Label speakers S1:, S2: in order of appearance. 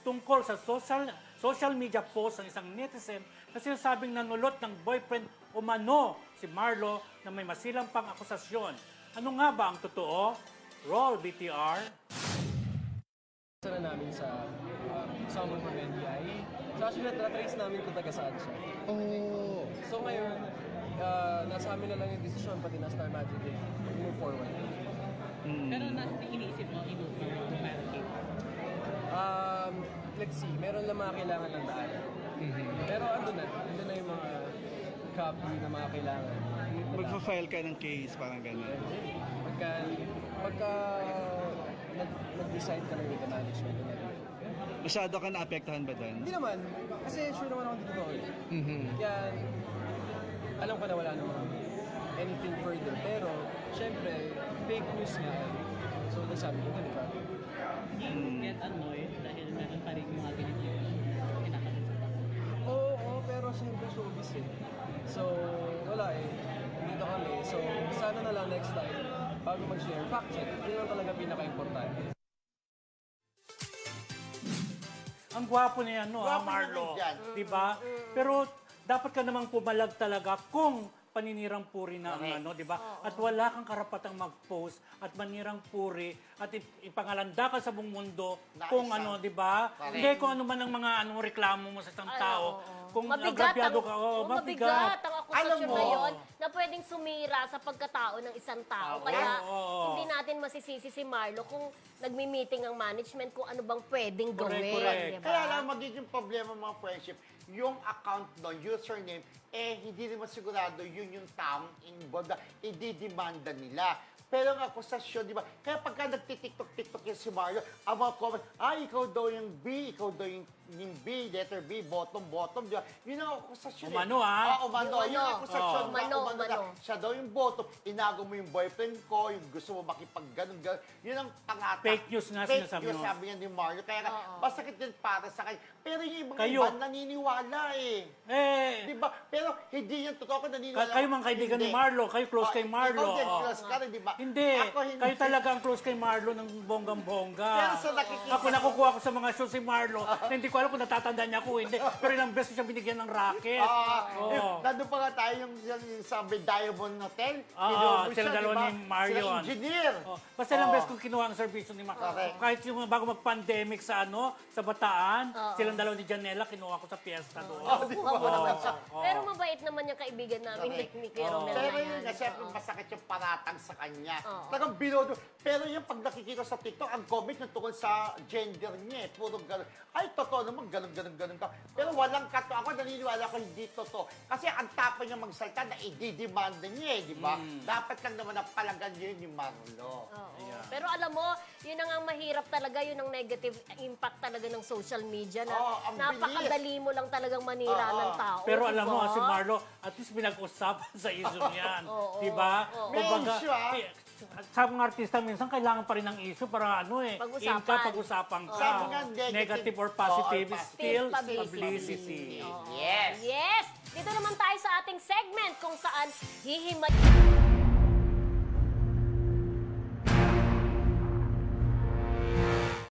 S1: tungkol sa social media post ng isang netizen na sinasabing nanulot ng boyfriend umano si Marlo na may masilang pang akusasyon. Ano nga ba ang totoo? Roll BTR.
S2: Na namin sa Summer from NBI. So actually, na-trace namin kung taga saan siya.
S3: Oh.
S2: So ngayon, nasa amin na lang yung decision, pati na Star Magic eh. Move forward.
S4: Pero nasa iniisip mo, i-move mo yung pancake?
S2: Let's see, meron lang mga kailangan ng daan. Pero ando na yung mga copy na mga kailangan.
S3: Magpa-file ka ng case, parang gano'n.
S2: Pagka nag-decide ka na with the management and everything.
S3: Masyado ka naapektuhan ba doon?
S2: Hindi naman, kasi sure naman ako dito eh. Yan, alam ko na wala naman anything further. Pero, syempre, fake news nga eh. So, nasabi ko, di ba?
S4: You get annoyed dahil meron pa rin mga ganito kinakalit.
S2: Oo, pero syempre showbiz eh. So, wala eh. Dito kami. So, sana na lang next time, bago mag-share, fact check. Yun lang talaga pinaka-importante.
S1: Ang gwapo niya, no,
S5: Gwapo
S1: Marlo.
S5: naman dyan.
S1: Diba? Pero dapat ka namang pumalag talaga kung paninirang puri na ang ano, di ba? At wala kang karapatang mag-post at manirang puri at ipangalanda ka sa buong mundo
S5: Na
S1: kung
S5: isa.
S1: ano, di ba?
S5: Correct.
S1: Hindi kung ano man ang mga anong reklamo mo sa isang tao. Kung
S6: Mabigat
S1: agrabyado
S6: ang,
S1: ka,
S6: mabigat ang
S5: Alam
S6: akusasyon
S5: mo,
S6: na yun na pwedeng sumira sa pagkatao ng isang tao. Kaya hindi natin masisisi si Marlo kung nagmi-meeting ang management kung ano bang pwedeng gawin.
S1: correct.
S6: Diba?
S5: Kaya lang magiging problema mga friendship, yung account doon, username, hindi naman sigurado yun yung taong involved na ididemanda nila. Pero ang akusasyon, di ba? Kaya pagka nagtitiktok-tiktok yung si Mario, ang mga comment, ikaw daw yung B, ikaw daw yung B, letter B, bottom, di ba? Yun ang akusasyon
S1: Umano, ah.
S5: Umano. Yung akusasyon na
S6: Umano.
S5: na siya daw yung bottom, inago mo yung boyfriend ko, yung gusto mo makipag-ganon. Yun ang pangata.
S1: Fake news nga sinasabi
S5: Fake news,
S1: mo.
S5: sabi niya ni Mario. Kaya masakit din para sa kanya. Pero yung ibang
S1: Kayo.
S5: iba naniniwala eh.
S1: Eh,
S5: Di ba? Pero hindi yan totoo kung naniniwala.
S1: kayo mga kaibigan ni Marlo, kayo close kay Marlo.
S5: Ikaw din,
S1: Oh.
S5: close ka rin, di ba?
S1: Hindi.
S5: Ako hindi.
S1: Kayo talaga ang close kay Marlo ng bonggang-bongga.
S5: Pero sa nakikita-
S1: Ako nakukuha ko sa mga show si Marlo na hindi ko alam kung natatandaan niya ako o hindi. Pero ilang beses siya binigyan ng racket.
S5: Nandun pa nga tayo yung sa Diamond Hotel.
S1: Oo,
S5: Kinuha mo
S1: sila
S5: siya,
S1: dalawa
S5: di ba?
S1: ni Mario.
S5: Sila engineer.
S1: Oh, basta ilang beses kong kinuha ang servisyo ni Marlo.
S5: Correct.
S1: Kahit yung bago mag-pandemic sa Bataan, silang dalawa ni Janela, kinuha ko sa piyesta doon.
S6: Kuha mo naman siya. Pero mabait naman yung kaibigan namin ni Kuya Romel na
S5: Pero
S6: yan.
S5: yun nga, siyempre masakit yung paratang sa kanya.
S6: Oo.
S5: Talagang binodo. Pero yung pag nakikita sa TikTok, ang comment na tungkol sa gender niya, puro gano'n. Ay, totoo naman, gano'n ka. Pero walang kato. Ako naniniwala ko hindi totoo. Kasi ang tapang niya magsalita na i-demand niya di ba? Dapat lang naman ang palagan niya yun ni Marlo.
S6: Oo. Pero alam mo, yun ang mahirap talaga, yun ang negative impact talaga ng social media na
S5: Oo, ang
S6: napakadali mo lang talagang manira ng tao.
S1: Pero alam mo,
S6: diba?
S1: si Marlo, at least pinag-usapan sa issue niyan.
S6: Oo.
S1: Diba?
S5: May issue,
S1: sa mga artista, minsan kailangan pa rin ng issue para
S6: Pag-usapan.
S1: pag-usapan ka.
S5: Sabi nga,
S1: Negative or positive,
S5: or
S1: still
S6: publicity.
S1: publicity.
S5: Yes.
S6: Yes! Dito naman tayo sa ating segment kung saan hihimay...